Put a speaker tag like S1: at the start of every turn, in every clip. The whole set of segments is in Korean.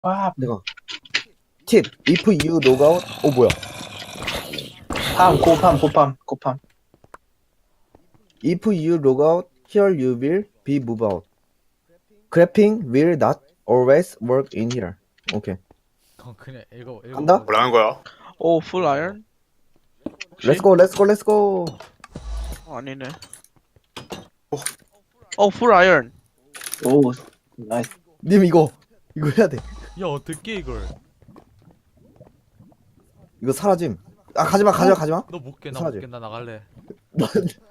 S1: 와,
S2: 내가 팁 if you log out 뭐야
S1: 고팜.
S2: if you log out here you will be moved out graphing will not always work in here 오케이
S3: 그냥 읽어
S2: 간다?
S4: 뭐라는 거야?
S5: 오, 풀 아이언? 혹시?
S2: 렛츠고
S5: 아니네. 풀 아이언.
S1: 오, 나이스.
S2: 님 이거 해야 돼
S3: 야 어떻게 이걸
S2: 이거 사라짐 아 가지마
S3: 너 못깨 나
S2: 사라져.
S3: 못깨 나 나갈래 나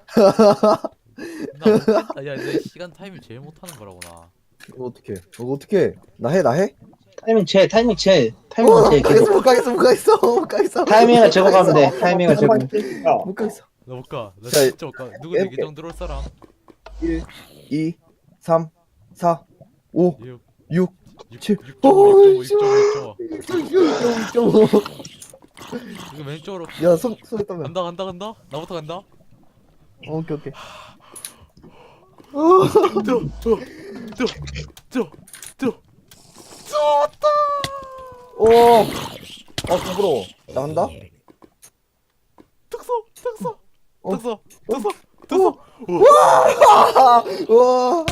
S3: 못겠다 야내 시간 타이밍 제일 못하는 거라고 나
S2: 이거 어떻게 나 해?
S1: 타이밍 제. 타이밍은 제. 계속.
S2: 못 가겠어
S1: 타이밍을 제거 가면 돼. 타이밍을 제거.
S2: 못 가겠어
S3: 나 못가 나
S2: 자,
S3: 진짜 못가 누구 내 계정 들어올 사람
S2: 1 2 3 4 5
S3: 6
S2: 6 7
S3: 6.5 이거 왼쪽으로
S2: 야 손에 떠면
S3: 간다 나부터 간다
S2: 오케이 오 부끄러워 나 한다
S3: 특서
S2: 어. 우와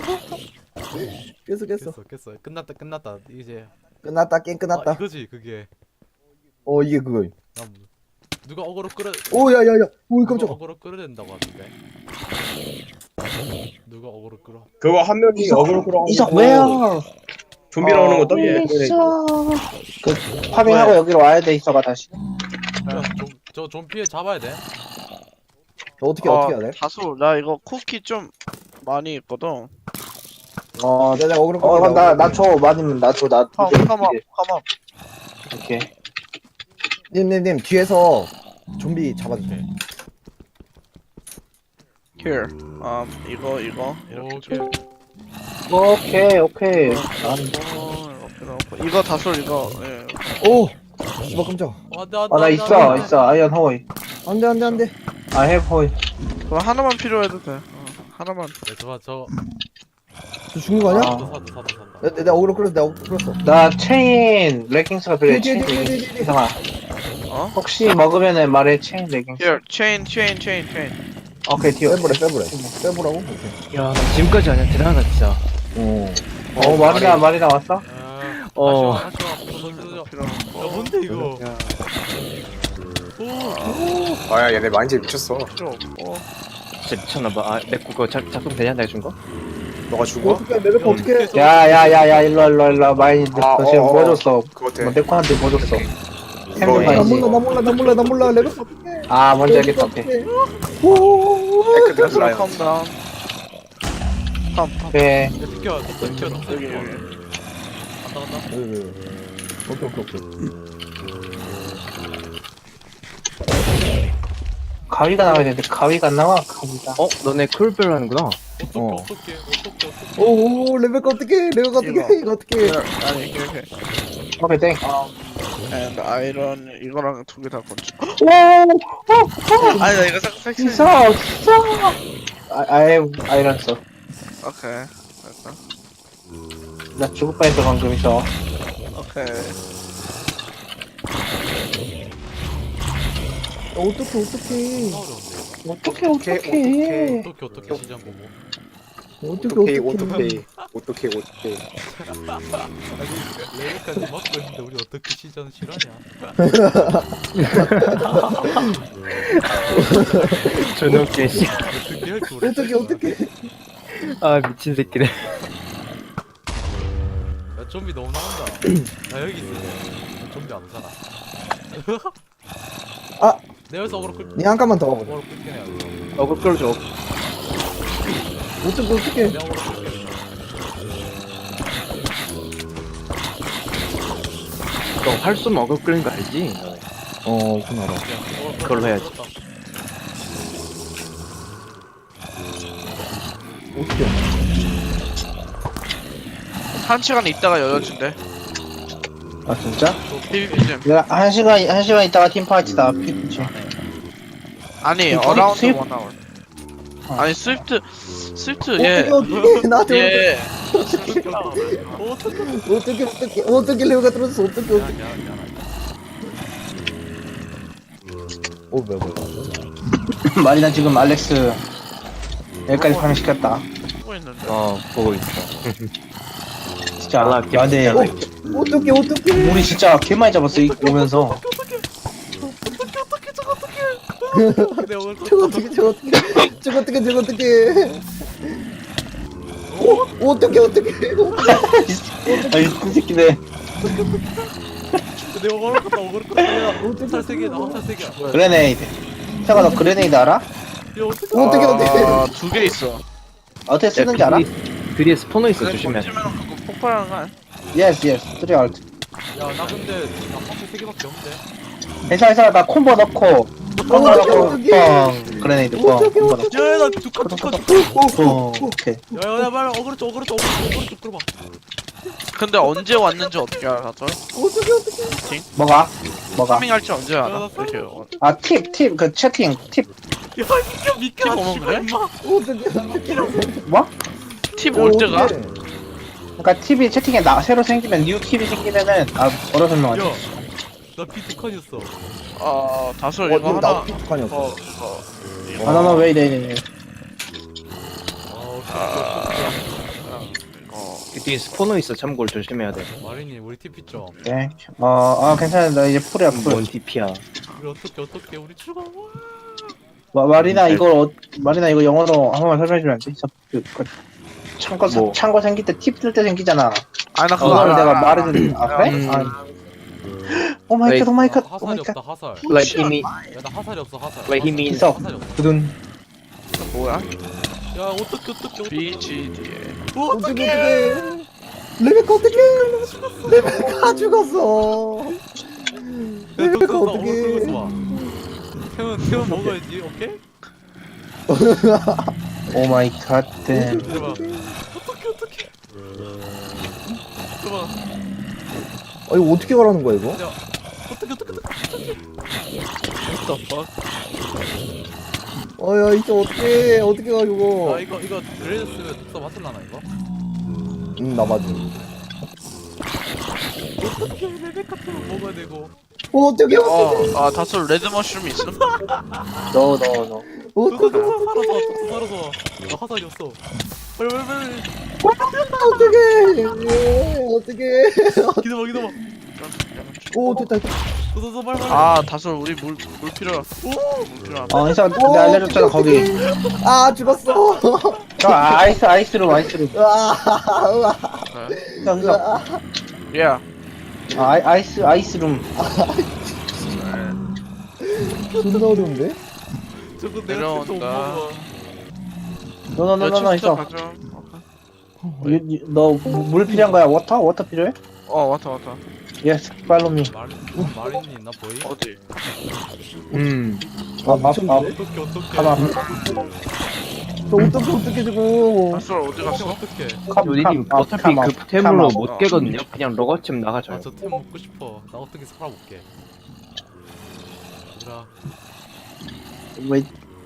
S2: 깼어
S3: 끝났다 이제
S2: 끝났다 게임 끝났다
S3: 이거지 그게
S2: 이게 그거
S3: 난 누가 어그로 끌어
S2: 오야야야 오
S3: 누가
S2: 깜짝아
S3: 어그로 끌어낸다고 하는데 누가 어그로 끌어
S4: 그거 한 명이 어그로 끌어가지고
S1: 이석 왜요?
S4: 좀비 나오는 거 떠게.
S1: 그 파밍하고 여기로 와야 돼 이석아 다시.
S3: 저 좀비에 잡아야 돼
S2: 어떻게 해야 돼?
S5: 다수, 나 이거 쿠키 좀 많이 있거든.
S2: 내가 어그로
S1: 나줘 많이면 나줘 나.
S5: 컴업.
S1: 오케이.
S2: 님 뒤에서 좀비 잡아주세요
S5: Here. 이거 이렇게.
S1: 오케이.
S5: 이거 다수 이거. 예.
S2: 오 씨발 깜짝아
S1: 나 있어 아이언 호이.
S2: 안돼
S1: I have 호이.
S5: 그거 하나만 필요해도 돼. 하나만.
S3: 저
S2: 저 죽는 거 아니야?
S3: 사다
S2: 내가 어그로 끌었어
S1: 나 체인 레깅스가 필요해.
S2: 뒤에,
S1: 체인
S2: 뒤에,
S1: 레깅스.
S2: 뒤에.
S1: 이상아. 혹시 먹으면은 말해 체인 레깅스.
S5: Here. chain.
S1: 오케이 뒤에.
S2: 빼보라고? 오케이
S6: 야, 나 지금까지 아니야. 대단하다, 진짜.
S1: 말이나 왔어?
S3: 야 뭔데 이거
S1: 야.
S4: 아야 얘네 마인드 미쳤어.
S5: 필요 없고.
S6: 진짜 미쳤나봐. 아, 내 그거 작동되냐? 내가 준 거?
S4: 너가 죽어?
S2: 어떡해 레벨 어떡해
S1: 야야야야 일로 마이니 너 지금 뭐 줬어?
S4: 그거 돼.
S1: 뭐 데코한테 뭐 줬어?
S4: 이거
S1: 햄좀
S2: 나
S1: 봐야지.
S2: 몰라 레벨 어떡해
S1: 아 뭔지 알겠다. 오케이.
S4: 테크
S5: 다수
S4: 라이언.
S5: calm down. 컴.
S1: 오케이.
S3: 비켜
S5: 여기.
S3: 간다
S2: 오케이
S1: 가위가 나와야 되는데 가위가 안 나와. 가위가.
S6: 너네 쿨별로 하는구나.
S3: 어떻게
S2: 오 레벨 어떡해 이거 어떡해
S5: 아니 이렇게.
S1: 오케이 땡.
S5: And 아이런 이거랑 두 개 다 건져.
S1: 오.
S5: 아니 나 이거 섹시.
S1: 있어. 아이런 써.
S5: 오케이. 됐다.
S1: 나 죽을 뻔했어 방금 있어.
S5: 오케이.
S2: 어떡해
S1: 어떡해.
S3: 어떻게 시장 보고
S4: 오토케이.
S3: 레벨까지 막고 있는데 우리 어떻게 시전 실화냐
S6: 존나 웃기네, 씨.
S3: 어떻게 할줄 모르겠어
S2: 어떡해
S6: 아, 미친 새끼네.
S3: 야 좀비 너무 나온다 나 여기 있어 좀비 안 오잖아
S2: 아!
S3: 내 여기서 어그로 끌
S2: 니 한 칸만 더 가보자
S3: 어그로 끌게 해야 돼
S6: 그걸 끌어줘.
S2: 어떡해
S3: 내가 어그로 끌게
S6: 너 활쏘 먹을 끓는 거 알지?
S2: 그건 알아
S6: 그걸로 해야지.
S2: 어떡해
S5: 1시간 있다가 열어준대.
S1: 아 진짜?
S5: PVP 좀.
S1: 내가 한 시간 있다가 팀파이트다. 피치.
S5: 아니
S1: 스윗-
S5: 어라운드
S1: 스윗-
S5: 1 hour. 아니 스위프트 예.
S2: 어떻게 나한테
S5: 예.
S2: 어떻게 레오가 떨어졌어 어떻게 뭐야
S1: 마리나 지금 알렉스 여기까지 파밍시켰다.
S5: 보고 있는데.
S6: 보고 있어.
S1: 진짜.
S6: 연락
S1: 야, 근데
S2: 어떻게
S1: 우리 진짜 개 많이 잡았어, 이 오면서.
S3: 내 오늘
S2: 저거 어떻게
S1: 아이, 그 새끼네.
S3: 내 오늘 갔다 오늘 갔다 내가 화살 3개 나 화살 3개야.
S1: 그레네이드. 태가 너 그레네이드 알아?
S3: 야 어떻게
S5: 아, 2개 있어.
S1: 어떻게 쓰는지 알아?
S6: 뒤에 스포너 있어, 조심해.
S5: 던지면 그거 폭발하는 거 아니야?
S1: 예스, 예스. 3 알트.
S3: 야나 근데 나 화살 3개밖에 없는데.
S1: 괜찮아. 나 콤보 넣고. 콤보 넣고, 뻥. 그레네이드, 뻥. 콤보 넣고.
S3: 야나 죽어
S1: 뻥. 오케이.
S3: 야야 빨리 어그로 쪽 들어봐.
S5: 근데 언제 왔는지 어떻게 알아, 저?
S1: 뭐가?
S5: 파밍할지 언제
S3: 야,
S5: 알아?
S3: 나
S5: 이렇게.
S1: 아, 팁. 그 채팅, 팁.
S3: 야 미켜
S5: 어머,
S3: 씨발
S5: 그래?
S3: 임마.
S1: 뭐?
S5: 팁 올 때가?
S1: 그러니까 팁이 채팅에 새로 생기면, 뉴 팁이 생기면은, 뭐라 설명하지?
S3: 나 비트컨이었어.
S5: 다솔 이거 하나.
S2: 나도 비트칸이었어
S1: 나 왜 이래.
S6: 그 뒤에 스포너 있어, 참고로 조심해야 돼.
S3: 마리님 우리 TP 좀.
S1: 네. 괜찮아. 나 이제 풀이야, 풀.
S6: 뭔 DP야.
S3: 우리 어떻게 우리 죽어.
S1: 마리나 이거 영어로 한 번만 설명해주면 안 돼? 창고 생길 때 팁 쓸 때 생기잖아.
S5: 나 그거
S1: 그거를
S5: 알아.
S1: 내가 말해준, 그래? 오 마이 갓, 오 마이 갓, 오
S3: 화살이
S1: 마이 갓.
S3: 없다 화살.
S6: Like he mean,
S3: 야나 화살이 없어 화살.
S6: like he mean.
S1: 있어.
S3: 화살이 없어.
S1: 두둔.
S5: 뭐야?
S3: 야 어떻게.
S5: BGD에.
S2: 어떻게 레베카 죽었어 레베카 어떻게
S3: 태훈 먹어야지 오케이?
S1: 오 마이 갓, 댐.
S3: 대박. 어떻게. 대박.
S2: 이거 어떻게 가라는 거야 이거?
S3: 어떻게.
S5: What the fuck?
S2: 야 이제 어떻게 가 이거
S3: 아 이거 그레이스면 독사 맞을라나 이거?
S2: 나 맞아
S3: 어떻게 레베카트로 먹어야 되고.
S2: 어떻게
S5: 다솔 레드 머쉬룸 있음?
S1: 너.
S2: 어떻게
S3: 살아서 나 화살이 없어. 빨리
S2: 어떻게
S3: 기다려
S2: 오 됐다
S3: 더 빨리
S5: 다솔 우리 물 필요해. 물 필요해.
S1: 인사 내가 알려줬잖아, 거기.
S2: 죽었어
S1: 저 아이스룸.
S2: 으아
S1: 인사.
S5: 야.
S1: 아이스룸.
S2: 존나 어려운데?
S3: 저거 내가
S5: 내려온다.
S1: 너 있어.
S5: 가져.
S1: 너 물 필요한 거야? 워터 필요해?
S5: 왔다.
S1: 예스, 팔로우 미.
S3: 마리님 나 보이?
S5: 어디?
S3: 어떻게
S1: 가만.
S2: 어떻게 주고
S5: 다솔 어디 갔어?
S3: 어떻게
S6: 요디님 어차피 그 템으로 못 깨거든요. 그냥 로거쯤 나가줘요.
S3: 아저 템 먹고 싶어 나 어떻게 살아볼게 얘들아
S1: 왜?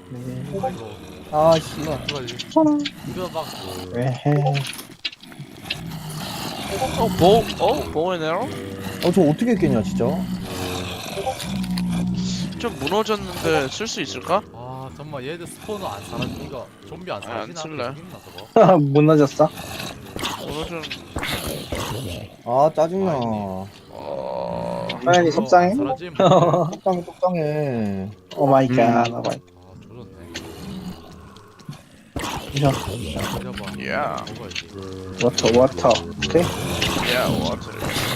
S3: 이거
S2: 씨발
S3: 어떡하지 이거 막
S1: 에헤.
S5: 보이네요?
S2: 저 어떻게 깨냐 진짜
S5: 좀 무너졌는데 쓸 수 있을까?
S3: 아 잠깐만 얘들 스포너 안 사라지 이거 좀비 안 사라지나?
S5: 안 쓸래.
S3: 죽겠나 저거?
S1: 무너졌어?
S5: 무너진.
S2: 짜증나
S1: 하연이 속상해?
S3: 사라짐
S2: 똑당해
S1: 오 마이 갓.
S3: 아 조졌네
S1: 이거.
S3: 기다려봐
S5: 야.
S3: 먹어야지
S1: 워터. 오케이?
S5: 야, 워터.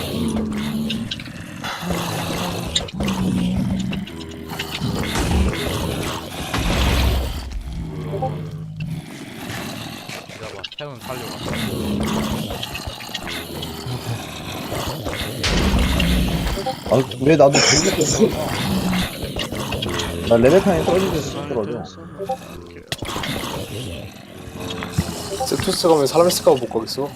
S3: 기다려봐 태훈 살려가
S2: 왜 나도 저기 있어 나 레벨칸에 떨어지고 싶더라고
S4: 세투스 가면 사람 있을까 못 가겠어.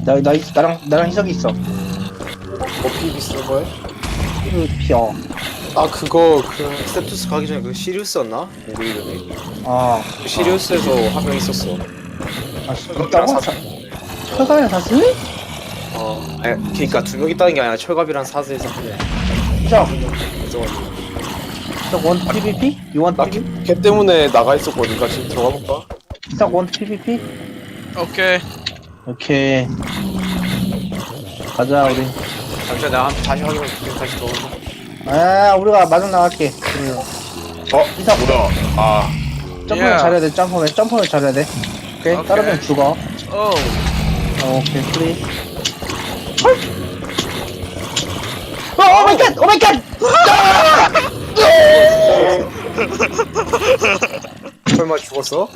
S1: 나랑 희석이 있어.
S4: 어피 비슷한 거야?
S1: 피어.
S4: 아 그거 그 스텝투스 가기 전에 그 시리우스였나? 우리 이름이
S1: 아,
S4: 그 시리우스에서 한 명 있었어.
S1: 있다고? 철갑이랑 사슬?
S4: 아니 그니까 두 명 있다는 게 아니라 철갑이랑 사슬에서 한 명.
S1: 저,
S4: 있어가지고.
S1: 저 원 PVP? You want
S4: 나
S1: PVP?
S4: 걔 때문에 나가 있었거든. 같이 들어가 볼까?
S1: 저 원 PVP?
S5: 오케이.
S1: 오케이. 가자, 우리.
S4: 잠시만 내가 다시 확인해 줄게. 다시 들어가.
S1: 아, 우리가 마중 나갈게. 이상.
S4: 뭐야? 아
S1: 점프를
S5: Yeah.
S1: 잘해야 돼, 점프를 잘해야 돼. 오케이,
S5: 오케이.
S1: 따르면 죽어.
S5: 오.
S1: 오케이, 프리. 오 마이 갓! 오 마이 갓!
S4: 설마 죽었어?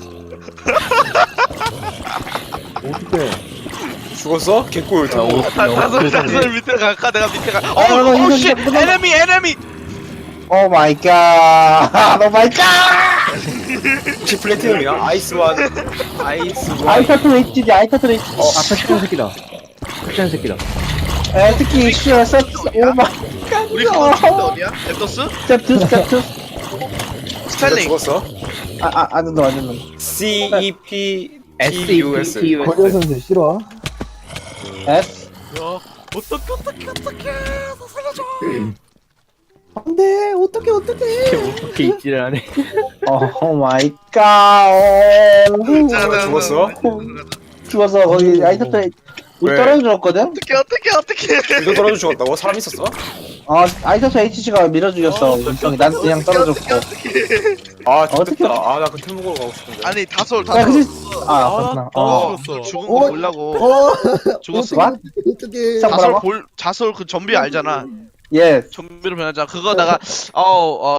S2: 어떻게?
S4: 죽었어? 개꿀.
S5: 다솔 밑에 갈까? 내가 밑에 가.
S1: 아, 이거,
S5: 오, 씨,
S1: 이거.
S5: 에너미.
S1: 오 마이 갓! 오 마이 갓!
S4: 혹시 플래티넘이야? 아이스완. 아이스완.
S1: 아이타트 HG, 아이타트 HG.
S2: 아, 패션 새끼다. 패션 새끼다.
S1: 에, 특히, 슈어, 서트, 오 마이 갓.
S5: 우리 그거 죽는데 어디야? 앱더스?
S1: 스텝2.
S4: 진짜
S5: 스탠링.
S4: 죽었어?
S1: 안 된다.
S4: C E P T U S.
S2: 권현 선수 싫어?
S1: S.
S5: 야, 어떡해. 살려줘.
S2: 안돼, 어떻게?
S6: 어떻게 있지를 않네.
S1: 오 마이 갓.
S4: 죽었어?
S1: 죽었어. 거기 아이타트 우리
S4: 왜?
S1: 떨어졌거든?
S5: 어떡해.
S4: 이거 떨어져 죽었다고? 사람 있었어?
S1: 아이타트 HG가 밀어 죽였어. 윤성이 난 그냥 떨어졌고.
S4: 아
S1: 어떻게-
S4: 좋겠다. 아 나 그 템 먹으러 가고 싶은데.
S5: 아니, 다솔.
S1: 야, 그치? 그렇구나.
S3: 죽었어.
S5: 죽은 거 보려고. 죽었어.
S2: 어떻게?
S1: 자,
S5: 자솔
S1: 뭐라고?
S5: 자솔 그 좀비 알잖아.
S1: 예.
S5: 좀비로 변하자. 그거 내가